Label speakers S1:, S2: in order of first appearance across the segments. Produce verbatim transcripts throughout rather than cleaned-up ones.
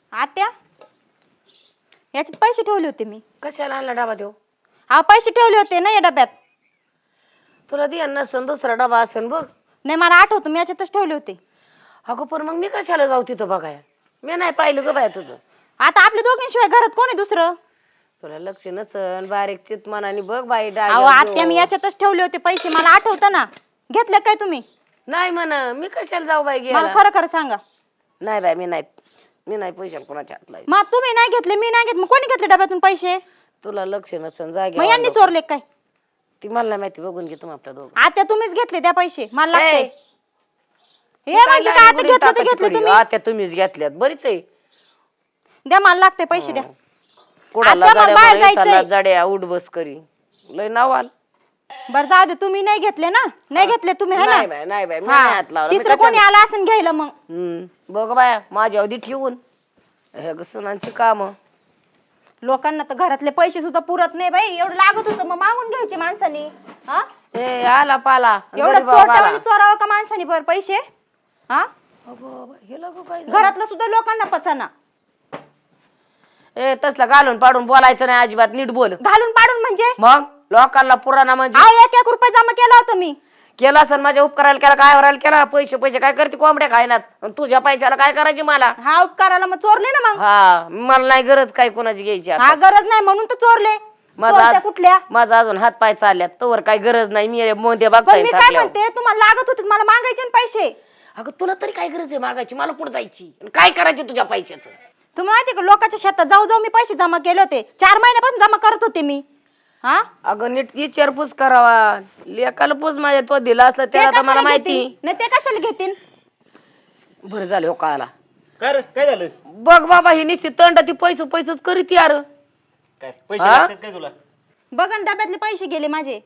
S1: आत्या याच्यात पैसे ठेवले होते मी.
S2: कशाला आणला डबा देऊ?
S1: हा पैसे ठेवले होते ना या डब्यात.
S2: तुला दे नसन दुसरा डबा असेल बघ.
S1: नाही मला आठवतं मी याच्यातच ठेवले होते.
S2: अगं पण मग मी कशाला जाऊ तिथं बघाय? मी नाही पाहिलं ग बाया तुझं.
S1: आता आपल्या दोघींशिवाय घरात कोण आहे दुसरं?
S2: तुला लक्ष नसन बारीक चित मनाने बघ बाई
S1: अहो आत्या मी याच्यातच ठेवले होते पैसे, मला आठवतं ना. घेतले काय तुम्ही?
S2: नाही म्हण मी कशाला जाऊ बाई
S1: मला
S2: गेला?
S1: खरं खरं सांगा.
S2: नाही बाई मी नाही मी नाही पैशाला कोणाच्या हात लावी.
S1: मग तुम्ही नाही घेतले मी नाही घेतले, मग कोणी घेतले डब्यातून पैसे?
S2: तुला लक्ष नसन
S1: मग
S2: जागे
S1: यांनी चोरले काय?
S2: ती मला नाही माहिती, बघून घे तुम्ही आपल्या दोघं.
S1: आत्या तुम्हीच घेतले त्या पैसे, मला लागते.
S2: ए,
S1: हे म्हणजे काय आता घेतले ते घेतले तुम्ही.
S2: आता तुम्हीच घेतल्यात बरीच आहे.
S1: द्या मला लागते पैसे द्या.
S2: कोणाला
S1: आता मला बाहेर
S2: जड्या
S1: जायचंय.
S2: जड्या उठ बस करी लय नाव आल.
S1: बरं जाऊ दे, तुम्ही नाही घेतले ना? नाही घेतले तुम्ही है
S2: नाही
S1: ना?
S2: बाई नाही बाई मी
S1: हा.
S2: नाही हात लावला. मी
S1: तिसरं
S2: कशाला-
S1: कोणी आला असं घ्यायला मग.
S2: हम्म बघ बाया माझ्या अवधी ठेवून हे ग सुनांची काम.
S1: लोकांना तर घरातले पैसे सुद्धा पुरत नाही बाई. एवढं लागत होतं मग मागून घ्यायचे माणसानी. हा
S2: ए आला पाला
S1: एवढं
S2: गरीब भाऊ आला.
S1: चोरट्यावानी चोरावं का माणसानी बरं पैसे? हा
S2: अगो बाई, हे लगो काय झालं?
S1: घरातलं सुद्धा लोकांना पचाना.
S2: ए तसला घालून पाडून बोलायचं नाही अजिबात, नीट बोल.
S1: घालून पाडून म्हणजे?
S2: मग लोकांना पुराणा म्हणजे
S1: अहो एक एक रुपये जमा केला होता मी.
S2: केला असेल माझ्या उपकाराला केला काय वरायला केला. पैसे पैसे काय करते कोंबड्या खायनात आणि तुझ्या पैशाला काय करायची मला?
S1: हा उपकाराला मग चोरले ना मग.
S2: हा मला नाही गरज काय कोणाची घ्यायची आता.
S1: हा गरज नाही म्हणून तर चोरले.
S2: माझा
S1: चोरट्या
S2: आज-
S1: कुठल्या?
S2: माझा अजून हात पाय चालल्यात तोवर काय गरज नाही. मी मोंदे
S1: पण
S2: बघताय
S1: मी काय म्हणते, तुम्हाला लागत होते मला मागायचे ना पैसे.
S2: अगं तुला तरी काय गरज आहे मागायची? मला कुठं जायची आणि काय करायचे तुझ्या पैशाचं?
S1: तुम्हाला माहिती का लोकांच्या शेतात जाऊ जाऊ मी पैसे जमा केले होते. चार महिन्यापासून जमा करत होते मी. हा
S2: अगं नीट विचारपूस करावा. लेकाला पूस माझ्या तो दिला असला
S1: ते
S2: त्याला तर मला
S1: कशाला
S2: माहिती.
S1: घेतील? नाही ते कशाला घेतील?
S2: बरं झालं हो का आला.
S3: काय रे काय झालं?
S2: बघ बाबा ही नुसती तंड ती पैसे पैसेच करीत यार.
S3: काय पैसे
S2: हा?
S3: लागतात काय तुला?
S1: बघा ना डब्यातले पैसे गेले माझे.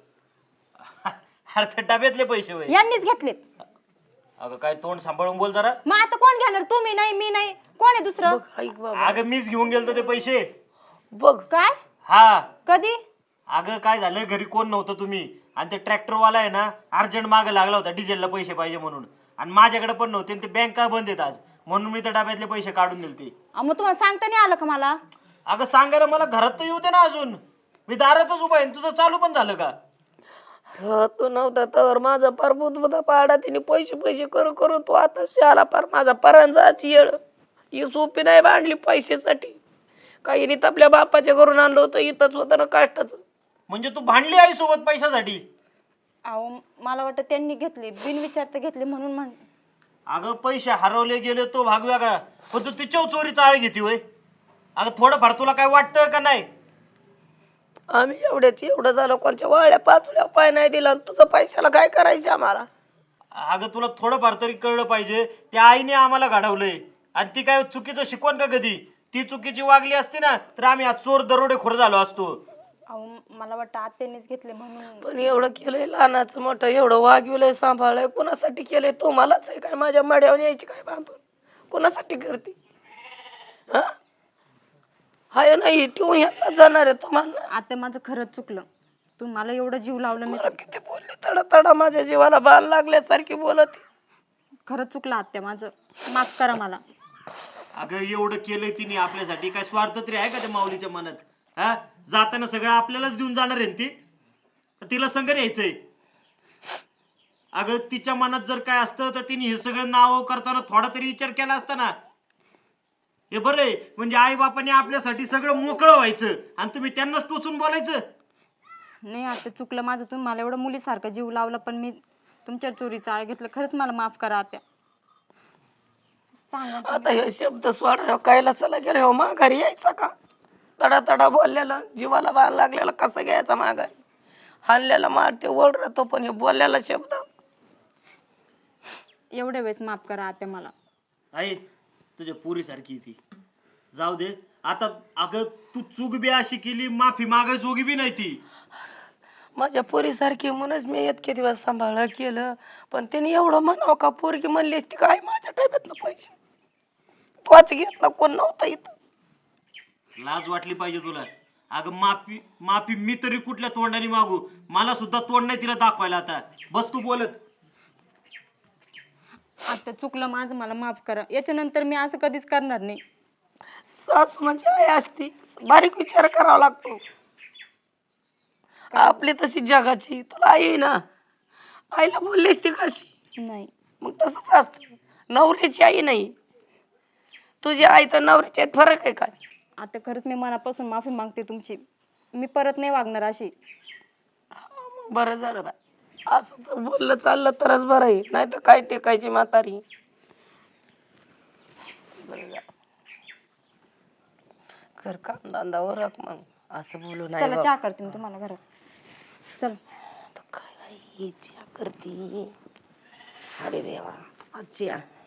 S3: अरे ते डब्यातले पैसे होय.
S1: यांनीच घेतलेत.
S3: अगं काय तोंड सांभाळून बोल जरा.
S1: मग आता कोण घेणार? तुम्ही नाही मी नाही कोण आहे दुसरं?
S2: ऐक बाबा
S3: अगं मीच घेऊन गेलतो ते पैसे.
S2: बघ
S1: काय
S3: हा
S1: कधी?
S3: अगं काय झालं घरी कोण नव्हतं तुम्ही आणि ते ट्रॅक्टर वाला आहे ना अर्जंट मागे लागला होता डिझेलला पैसे पाहिजे म्हणून आणि माझ्याकडे पण नव्हते आणि ते बँक का बंद आहेत आज म्हणून मी त्या डब्यातले पैसे काढून दिलते.
S1: अहो, मग तुम्हाला सांगता नाही आलं का मला?
S3: अगं सांगायला मला घरात तर येऊ दे ना अजून. मी दारातच उभा आहे. तुझं चालू पण झालं का?
S2: अरे तू नव्हता तर माझा पार बुधबुधा पाडा तिने पैसे पैसे करू करू तू आता शाला पार माझा परांजाची येळ. ही सोपी नाही बांधली पैशासाठी. काही नाही आपल्या बापाच्या घरून आणलं होतं इथंच होतं ना कष्टाचं.
S3: म्हणजे तू भांडली आई सोबत पैशासाठी?
S1: अहो मला वाटतं त्यांनी घेतले बिनविचारता घेतले म्हणून म्हण.
S3: अगं पैसे हरवले गेले तो भाग वेगळा पण तू तिच्यावर चोरी चाळ घेते वय. अगं थोडंफार तुला काय वाटतं का नाही?
S2: आम्ही एवढ्याच एवढं झालं कोणच्या वाळ्या पाचल्या पाय नाही दिला आणि तुझं पैशाला काय करायचं आम्हाला?
S3: अगं तुला थोडंफार तरी कळलं पाहिजे. त्या आईने आम्हाला घडवलंय आणि ती काय चुकीचं शिकवण का कधी? ती चुकीची वागली असती ना तर आम्ही आज चोर दरोडेखोर झालो असतो.
S1: अहो मला वाटतं आत्यानीच घेतले म्हणून.
S2: पण एवढं केलंय लहानाचं मोठं एवढं वागविलंय सांभाळलंय कोणासाठी केलंय? तो मलाच आहे काय माझ्या मड्यावर यायची काय बांधून? कोणासाठी करते? हा हाय नाही ठेवून ह्याला जाणार आहे तुम्हाला.
S1: आता माझं खरंच चुकलं. तुम्हाला एवढं जीव लावलं मी.
S2: मला किती बोलले तडा तडा माझ्या जीवाला बाल लागल्यासारखी बोलत.
S1: खरंच चुकलं आत्या माझं. माफ करा मला.
S3: अगं एवढं केलंय तिने आपल्यासाठी. काय स्वार्थ तरी आहे का त्या माऊलीच्या मनात? हा जाताना सगळं आपल्यालाच देऊन जाणार आहे ती. तिला संग न्यायचंय. अगं तिच्या मनात जर काय असतं तर तिने हे सगळं नाव करताना थोडा तरी विचार केला असता ना. हे बरं आहे म्हणजे आई बापाने आपल्यासाठी सगळं मोकळं व्हायचं आणि तुम्ही त्यांनाच टोचून बोलायचं.
S1: नाही आता चुकलं माझं. तुम्ही मला एवढं मुलीसारखं जीव लावला पण मी तुमच्या चोरी चाळ घेतलं. खरंच मला माफ करा आत्या. सांगा.
S2: आता हे शब्द सोडा कैलासाला गेले हो माघारी यायचा का? तडा तडा बोललेला जीवाला बाल लागलेला कसं घ्यायचा माघारी? हाणल्याला मारते ओढ राहतो पण हे बोललेला शब्द.
S1: एवढ्या वेळेस माफ करा आत्या मला.
S3: आई तुझ्या पोरीसारखी ती जाऊ दे आता. अगं तू चूक बी अशी केली माफी मागाय जोगी बी नाही ती.
S2: माझ्या पोरीसारखी म्हणूनच मी इतके दिवस सांभाळ केलं पण त्यांनी एवढं म्हणावं का? पोरगी म्हणली असती काय माझ्या टाब्यातलं पैसे तोच घेतला कोण नव्हता इथं.
S3: लाज वाटली पाहिजे तुला. अगं माफी माफी मी तरी कुठल्या तोंडाने मागू? मला सुद्धा तोंड नाही तिला दाखवायला. आता बस तू बोलत.
S1: आता चुकलं माझं. मला माफ करा. याच्यानंतर मी असं कधीच करणार नाही.
S2: सासू म्हणजे आई असती, बारीक विचार करावा लागतो. आपली तशी जगाची तुला आई आहे ना, आईला बोललीस ती कशी?
S1: नाही
S2: मग तसंच असतं, नवऱ्याची आई नाही. तुझी आई तर नवऱ्याची आई, फरक आहे काय?
S1: आता खरंच मी मनापासून माफी मागते तुमची. मी परत नाही वागणार अशी.
S2: बरं झालं बाय, असंच बोललं चाललं तरच बरं आहे, नाही तर काय टेकायची म्हातारी. बरं झालं, कर काम धंदा ओरख, मग असं बोलू नाही
S1: चला
S2: बाबा.
S1: चहा करते मी तुम्हाला घरात. चल.
S2: आता काय आई चहा करती? अरे देवा, आजची